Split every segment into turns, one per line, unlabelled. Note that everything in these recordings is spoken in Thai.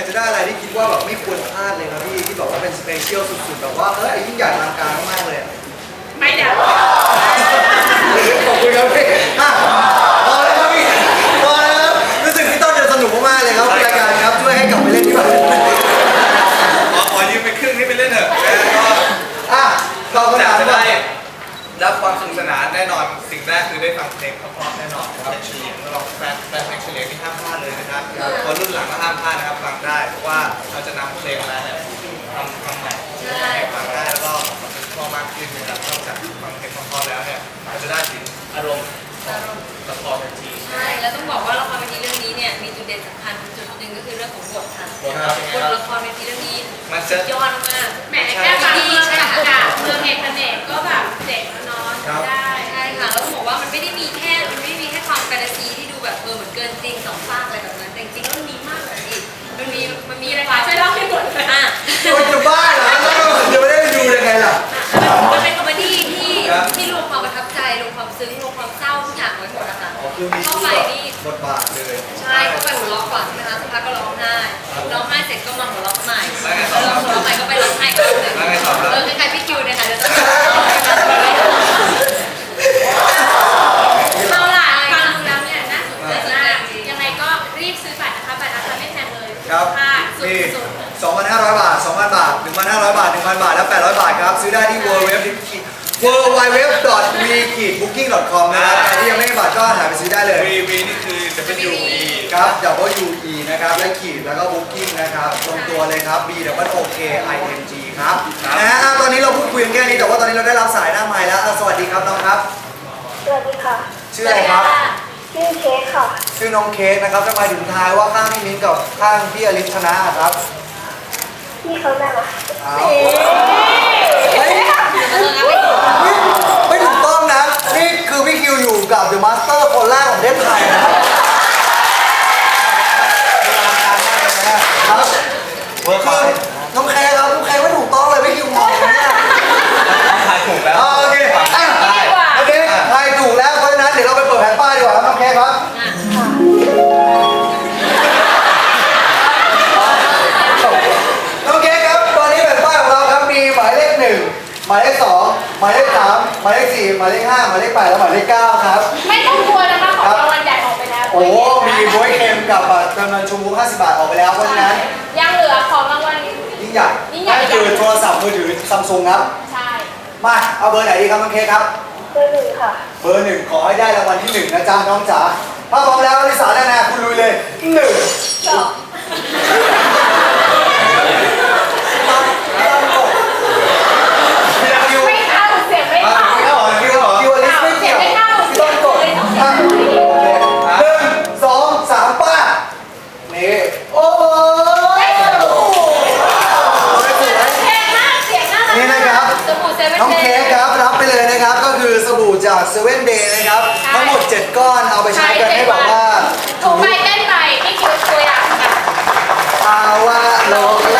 จะได้อะไรที่คิดว่าแบบไม่ควรพลาดเลยครับพี่ที่แบบว่าเป็นสเปเชียลสุดๆแบบว่ายิ่งใหญ่อลังการมากๆเลย
ไม่เดี๋ยว
ขอบคุณครับพี่พอแล้วครับพี่พอแล้วครับรู้สึกพี่ต้นจะสนุกมากๆเลยครับรายการครับช่วยให้กลับไปเล่นที่บ้าน
ขอยืมไปครึ่งนี้ไปเล่นเถอะ
เราก็จะ
ได้รับความสนุกสนานแน่นอนสิ่งแรกคือได้ฟังเพลงเพราะๆแน่นอนครับเฉลียงเราแฟนเพลงเฉลียงที่ห้ามพลาดเลยนะครับคนรุ่นหลังก็ห้ามพลาดนะครับฟังได้เพราะว่าเราจะนำเพลงมาเนี่ยทำใหม่ให้ฟังได้แล้วก็พอมากขึ้นนะครับนอกจากฟังเพลงเพราะๆแล้วเนี่ยเราจะได้ถึงอารมณ์ละครเวที
ใช่แล้วต้องบอกว่าละครเวทีเรื่องนี้เนี่ยมีจุดเด่นสำคัญจุดหนึ่งก็คือเรื่องของบทค่ะบทละครเวทีเรื่องนี้
มันจะ
ยอดมาก
แหมแค่ฟังเมืองกับเมืองเอกเนกก็แบบเจ๋งแล้วเนาะได้
ใช่ค่ะแล้วต้องบอกว่ามันไม่ได้มีแค่ความแฟนตาซีที่ดูแบบเหมือนเกินจริงสองฝากอะไรแบบนั้นแต่จริงๆแล้วมันมีมากกว่านี้มันมี
อะไรคะช่วยเล่าให้หมดเลย
คนจะบ้าเหรอจะไม่ได้ไปดูยังไงล่ะ
มันเป็นคอมเมดี้ที่รวมความประทับใจรวมความซึ้งรวมความเศร้าทุกอย่างไว้หมดนะคะเข้าไปนี่
บทบาทเลย
ใช่เข้าไปหัวเราะก่อนใช่ไหมคะสักพักก็ร้องไห้เสร็จก็มาหัวเราะใหม่แล้วหัวเราะใหม่ก็ไปร้องไห้กันเลยคล้ายๆพี่คิวเนี่ยค่ะจะ
เอาล่ะฟังดูแล้วเนี่ยน่าสนใจมากยังไงก็รีบซื้อบัตรนะคะบัตรราคาไม่แพงเลยค่ะสุด
2,500 บาท 2,000 บาท 1,500 บาท 1,000 บาท และ 800 บาทครับซื้อได้ที่ www.v-booking.com นะครับใครที่ยังไม่มีบัตรก็หาไปซื้อได้เลย
V นี่คือ WE
ครับ WE นะครับและขีดแล้วก็ Booking นะครับตรงตัวเลยครับ BOOKING ครับตอนนี้เราพูดคุยกันแค่นี้แต่ว่าตอนนี้เราได้รับสายหน้าไมค์แล้วสวัสดีครับน้องครับ
สวัสดีค่ะ
ชื่ออะไรครับ
ชื่อเค้กค่ะ
ชื่อน้องเค้กนะครับจะมาถึงทายว่าข้างพี่มิ้นกับข้างพี่อลิสชนะครับ
พี่เขาแม่มา
ไม่ถูกต้องนะนี่คือพี่คิวอยู่กับเดอะมาสเตอร์คนแรกของประเทศไทยนะครับเวิร์คครับน้องแคร์ครับน้องแคร์ไม่ถูกต้องเลยพี่คิวมองเนี่ย
ทายถูกแล้ว
โอเคทายถูกแล้วเพราะฉะนั้นเดี๋ยวเราไปเปิดแผ่นป้ายดีกว่าครับน้องแคร์ครับน้องแคร์ครับตอนนี้แผ่นป้ายของเราครับมีหมายเลข 1หมายเลข 2หมายเลข 3หมายเลข 4หมายเลข 5หมายเลข 8และหมายเลข 9ครับ
ไม่ต้องกลัวนะคะของรางวัลใหญ่ออกไปแล้ว
โอ้มีบวยเค็มกับบัตรเติมเงินชูมู50 บาทออกไปแล้วเพราะฉะนั้น
ยังเหลือของรางวัล
ยิ่งใหญ่นั่นคือโทรศัพท์มือถือซัมซุงครับ
ใช่
มาเอาเบอร์ไหนดีครับน้องเค้กครับ
เบอร์ 1ค่ะ
เบอร์ 1ขอให้ได้รางวัลที่ 1นะจ๊ะน้องจ๋าถ้าพร้อมแล้วลิสาแน่ๆคุณลุยเลย1
ไม่เข้าเสียงไม่เข้า
คิวอลิสไม่เกี่ยวต้นกด1 2 3ป้านี่โอ้นี่นะครับน้องเค้กครับรับไปเลยนะครับก็คือสบู่จากเซเว่นเดย์นะครับทั้งหมด7ก้อนเอาไปใช้กันให้แบบว่า
ถูกไปเต้นไปนี่คือตัวอย่างค่ะ
ว่าโล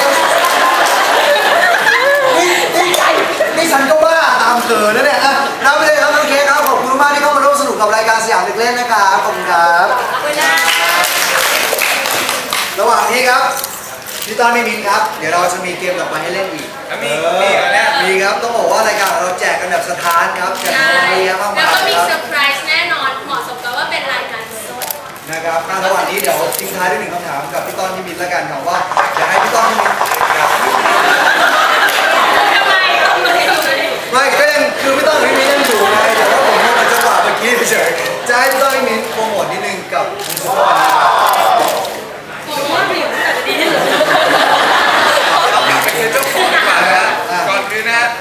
นี่ฉันก็ว่าตามเกินนะเนี่ยรับไปเลยครับน้องเค้กครับขอบคุณมากที่เข้ามาร่วมสนุกกับรายการสยามเด็กเล่นนะครับขอบคุณครับระหว่างนี้ครับพี่ต้อนพี่มิ้นครับเดี๋ยวเราจะมีเกมต่อไปให้เล่นอีกมีครับต้องบอกว่ารายการเราแจกกันแบบสถานครับแจกของเยอะมากๆ
แล้วก็มีเซอร์ไพรส์แน่นอนเหมาะสมกับว่าเป็นรายการสด
นะครับระหว่างนี้เดี๋ยวทิ้งท้ายด้วย1 คำถามกับพี่ต้อนพี่มิ้นแล้วกันครับว่าอยากให้พี่ต้อนพี่มิ้นไม่ก็ยังคือพี่ต้อนพี่มิ้นยังอยู่ไงแต่ว่าผมมันจังหวะเมื่อกี้เฉยจะให้พี่ต้อนพี่มิ้นโปรโมทนิดนึงกับคุณสุวรรณ
เป็นเจ้าของดีกว่านะก่อนคือนะ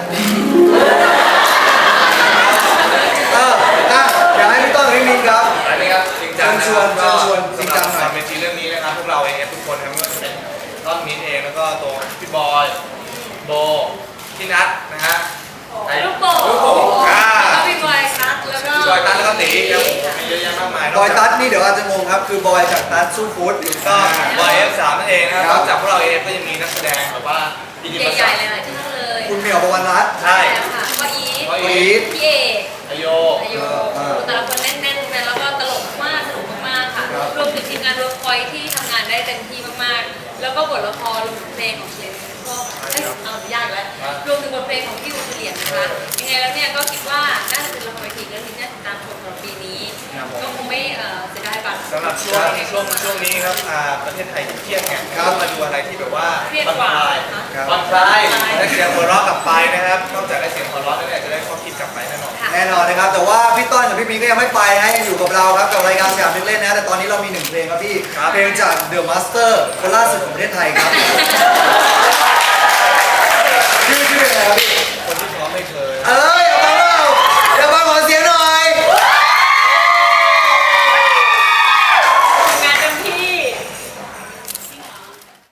อยากให้พี่ต้นพี่มิ้นครับ
อันนี้ครับจริงจัง
ชวนจริงจังหน่อย
เวทีเรื่องนี้นะครับพวกเราเองทุกคนทั้งเป็นต้นมิ้นเองแล้วก็ตัวพี่บอยโบพี่นัทนะฮะ
ลูกโป่งแล้วพี่บอยตั๊ดแล้วก็
บอยตั๊ดแล้วก็ตีครับมีเยอะแยะมากมาย
บอยตั๊ดนี่เดี๋ยวอาจจะงงครับคือบอยจากตั๊ดสู้ฟู้ด
ก็บอย F3 นั่นเองนะครับจากพวกเราเองก็ยังมีนักแสดงแบบว่า
ใหญ่ๆหลายๆท่านเลย
คุณเหมียวประวันรัตน์
ใช่
ค่ะก็อี
ท
พี่เอก
อโย
แต่ละคนแน่นๆแล้วก็ตลกมากสนุกมากค่ะรวมถึงทีมงานเวิร์คพอยท์ที่ทำงานได้เต็มที่มากๆแล้วก็บทละครรวมถึงเพลงของเชนก็เอายากแล้วรวมถึงบทเพลงของพี่อุเลียนนะคะยังไงแล้วเนี่ยก็คิดว่าน่าจะเป็นละครเวทีเรื่องนี้น่าติดตามชมสำหรับปีนี้ก็คงไม่เสียดายบัตร
สำหรับช่วงนี้ครับประเทศไทยเครียดไงก็มาดูอะไรที่แบบว่า
เครียด
ผ่อน
กว่า
คลาย
ครับ
ผ่อนคลายได้เสียงหัวเราะกลับไปนะครับนอกจากได้เสียงหัวเราะแล้วเนี่ยจะได้ข้อคิดกลับไปแน่นอน
แน่นอนนะครับ แต่ว่าพี่ต้นกับพี่มีก็ยังไม่ไปนะยังอยู่กับเราครับกับรายการสยามเด็กเล่นนะแต่ตอนนี้เรามีหนึ่งเพลงครับพี่
ครับ
เพลงจาก The Master คนล่าสุดของประเทศไทยครับ